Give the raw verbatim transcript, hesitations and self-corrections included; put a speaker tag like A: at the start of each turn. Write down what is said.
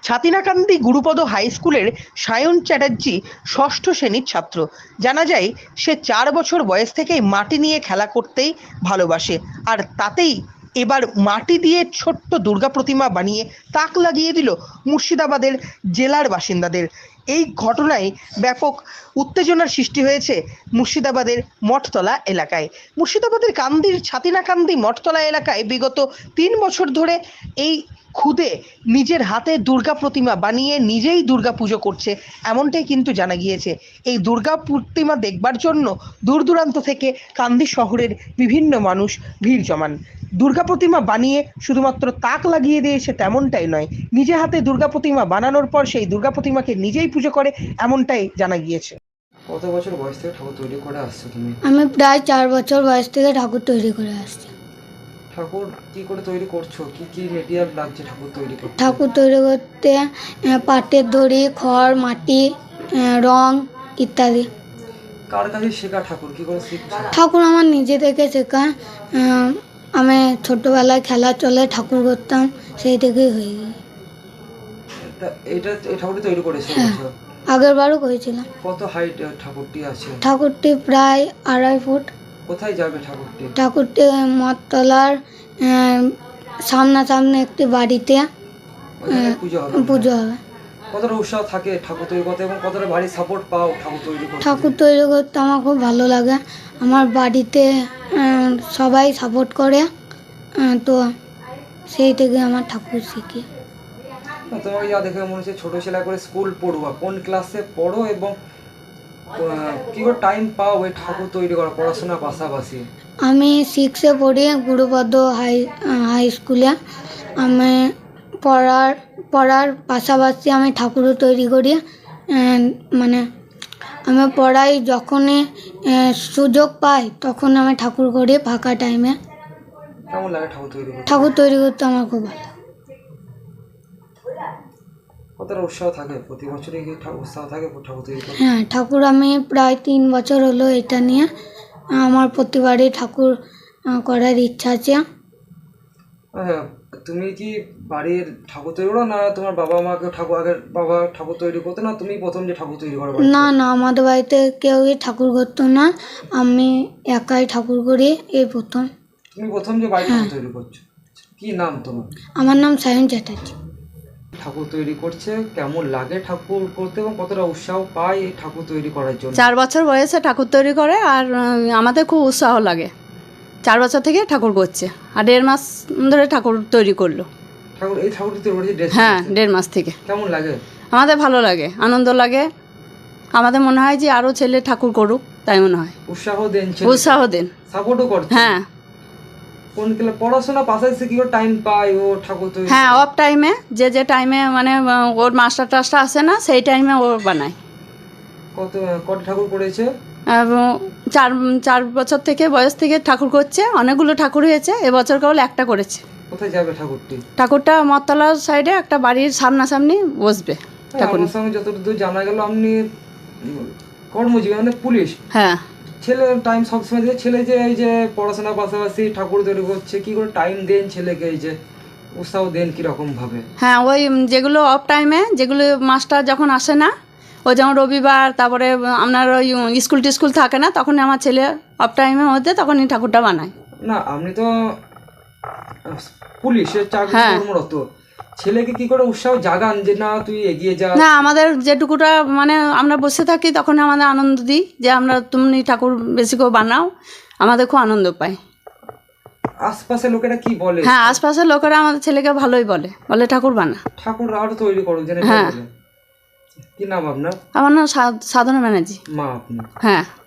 A: ছাতিনাকান্দি Gurupada high স্কুলের সায়ন চ্যাটার্জি ষষ্ঠ শ্রেণীর ছাত্র। জানা যায় সে চার বছর বয়স থেকেই মাটি নিয়ে খেলা করতেই ভালোবাসে, আর তাতেই এবার মাটি দিয়ে ছোট্ট দুর্গা প্রতিমা বানিয়ে তাক লাগিয়ে দিল মুর্শিদাবাদের জেলার বাসিন্দাদের। এই ঘটনায় ব্যাপক উত্তেজনার সৃষ্টি হয়েছে মুর্শিদাবাদের মঠতলা এলাকায়। মুর্শিদাবাদের কান্দির ছাতিনাকান্দি মঠতলা এলাকায় বিগত তিন বছর ধরে এই খুদে নিজের হাতে দুর্গা প্রতিমা বানিয়ে নিজেই দুর্গা পুজো করছে, এমনটাই কিন্তু জানা গিয়েছে। এই দুর্গা প্রতিমা দেখবার জন্য দূর দূরান্ত থেকে কান্দি শহরের বিভিন্ন মানুষ ভিড় জমান। দুর্গা প্রতিমা বানিয়ে শুধুমাত্র তাক লাগিয়ে দিয়েছে তেমনটাই নয়, নিজে হাতে দুর্গা প্রতিমা বানানোর পর সেই দুর্গা প্রতিমাকে নিজেই পুজো করে, এমনটাই জানা গিয়েছে।
B: কত বছর বয়স থেকে ঠাকুর তৈরি করে আসছো তুমি?
C: আমি প্রায় চার বছর বয়স থেকে ঠাকুর তৈরি করে আসছি।
B: ঠাকুর কি করে তৈরি করছো? কি কি মেটেরিয়াল লাগছে ঠাকুর তৈরি করতে?
C: ঠাকুর তৈরি করতে আহ, পাটের দড়ি, খড়, মাটি, আহ, রং ইত্যাদি।
B: কার কাছে শেখা ঠাকুর? কি করে শিখছো?
C: ঠাকুর আমার নিজে থেকে শেখা। আহ, আমি ছোটবেলায় খেলা চলে ঠাকুর করতাম, সেই থেকেই হয়ে গেছে।
B: এটা- এটা এই ঠাকুরটি তৈরি করেছো
C: হ্যাঁ।
B: বলছো?
C: আগের বারও করেছিলাম।
B: কত হাইট ঠাকুরটি আছে?
C: ঠাকুরটি প্রায় আড়াই ফুট।
B: কোথায় যাবে ঠাকুরটি?
C: ঠাকুরটি মঠতলার আহ, সামনাসামনি একটি বাড়িতে
B: ওখানে পুজো হবে?
C: পুজো হবে।
B: কতটা উৎসাহ থাকে ঠাকুর তৈরি করতে এবং কতটা বাড়ির সাপোর্ট পাও ঠাকুর তৈরি করতে?
C: ঠাকুর তৈরি করতে আমার খুব ভালো লাগে। আমার বাড়িতে আহ, সবাই সাপোর্ট করে, আহ, তো সেই থেকে আমার ঠাকুর শিখি।
B: তোমাকে যা দেখে মনে হচ্ছে ছোটো ছেলে করে স্কুল পড়ুয়া। কোন ক্লাসে পড়ো এবং আহ, কি করে টাইম পাও এই ঠাকুর তৈরি করা পড়াশোনার পাশাপাশি?
C: আমি সিক্সে পড়ি গুরুপদ হাই হাই স্কুলে। আমি পড়ার পড়ার পাশাপাশি আমি ঠাকুরও তৈরি করি। আহ, মানে আমি পড়াই যখনই আহ, সুযোগ পাই তখন আমি ঠাকুর করি ফাঁকা টাইমে।
B: কেমন লাগে ঠাকুর তৈরি করতে?
C: ঠাকুর তৈরি করতে আমার খুব ভালো লাগে।
B: কতটা উৎসাহ থাকে প্রতি বছরই কি ঠাকুর উৎসাহ থাকে ঠাকুর তৈরি করতে?
C: হ্যাঁ, ঠাকুর আমি প্রায় তিন বছর হলো এটা নিয়ে। আমার প্রতিবারই ঠাকুর আহ, করার ইচ্ছা আছে।
B: হ্যাঁ, তুমি কি বাড়ির ঠাকুর তৈরি করো না তোমার বাবা মাকে ঠাকুর আগের বাবা ঠাকুর তৈরি করতো, না তুমি প্রথম যে ঠাকুর তৈরি করো?
C: না না, আমাদের বাড়িতে কেউই ঠাকুর করতো না, আমি একাই ঠাকুর করি, এই প্রথম।
B: তুমি প্রথম যে বাড়ি ঠাকুর তৈরি করছো, কি নাম তোমার?
C: আমার নাম সায়ন চ্যাটার্জি।
B: ঠাকুর তৈরি করছে, কেমন লাগে ঠাকুর করতে এবং কতটা উৎসাহ পায় এই ঠাকুর তৈরি করার জন্য?
D: চার বছর বয়সে ঠাকুর তৈরি করে, আর উম, আমাদের খুব উৎসাহ লাগে। চার বছর থেকে ঠাকুর করছে, আর দেড় মাস ধরে ঠাকুর তৈরি করলো।
B: ঠাকুর এই ঠাকুরটি তৈরি করেছে ড্রেস?
D: হ্যাঁ, দেড় মাস থেকে।
B: কেমন লাগে?
D: আমাদের ভালো লাগে, আনন্দ লাগে। আমাদের মনে হয় যে আরও ছেলে ঠাকুর করুক, তাই মনে হয়।
B: উৎসাহ দেন?
D: উৎসাহ দেন,
B: সাপোর্টও করছে?
D: হ্যাঁ
B: কোন ক্লাস পড়াশোনা পাশাপাশি কি করে টাইম পায় ও ঠাকুর তৈরি?
D: হ্যাঁ, অফ টাইমে যে যে টাইমে মানে আহ, ওর মাস্টার টাস্টার আসে না, সেই টাইমে ও বানায়।
B: কত কত ঠাকুর করেছে?
D: এবং চার চার বছর থেকে বয়স থেকে ঠাকুর করছে, অনেকগুলো ঠাকুর হয়েছে, এবছর কেবল একটা করেছে।
B: কোথায় যাবে ঠাকুরটি?
D: ঠাকুরটা মততলার সাইডে একটা বাড়ির সামনাসামনি বসবে ঠাকুর।
B: আমার সঙ্গে যতদূর জানা গেল আপনি উম, কর্মজীবী মানে পুলিশ।
D: হ্যাঁ,
B: ছেলে টাইম সবসময় দিয়ে ছেলে যে এই যে পড়াশোনার পাশাপাশি ঠাকুর তৈরি করছে, কি করে টাইম দেন ছেলেকে, এই যে উৎসাহ দেন কিরকম ভাবে?
D: হ্যাঁ, ওই উম, যেগুলো অফ টাইমে, যেগুলো মাস্টার যখন আসে না, ওই যেমন রবিবার, তারপরে আপনার ওই উম, স্কুল টিস্কুল থাকে না, তখন আমার ছেলে অফ টাইমের মধ্যে তখনই ঠাকুরটা বানায়।
B: না আপনি তো পুলিশের চাকরি
D: হ্যাঁ।
B: কর্মরত, ছেলেকে কি করে উৎসাহ জাগান যে না তুই এগিয়ে যা?
D: না, আমাদের যেটুকুটা মানে আমরা বসে থাকি তখন আমাদের আনন্দ দিই যে আমরা তুমি ঠাকুর বেশি করে বানাও, আমাদের খুব আনন্দ পাই।
B: আশপাশের লোকেরা কি বলে?
D: হ্যাঁ, আশপাশের লোকেরা আমাদের ছেলেকে ভালোই বলে, বলে ঠাকুর বানা।
B: ঠাকুর আরো তৈরি করো যেন?
D: হ্যাঁ।
B: কি নাম আপনার?
D: আমার নাম সা- সাধনা ব্যানার্জি।
B: মা আপনি?
D: হ্যাঁ।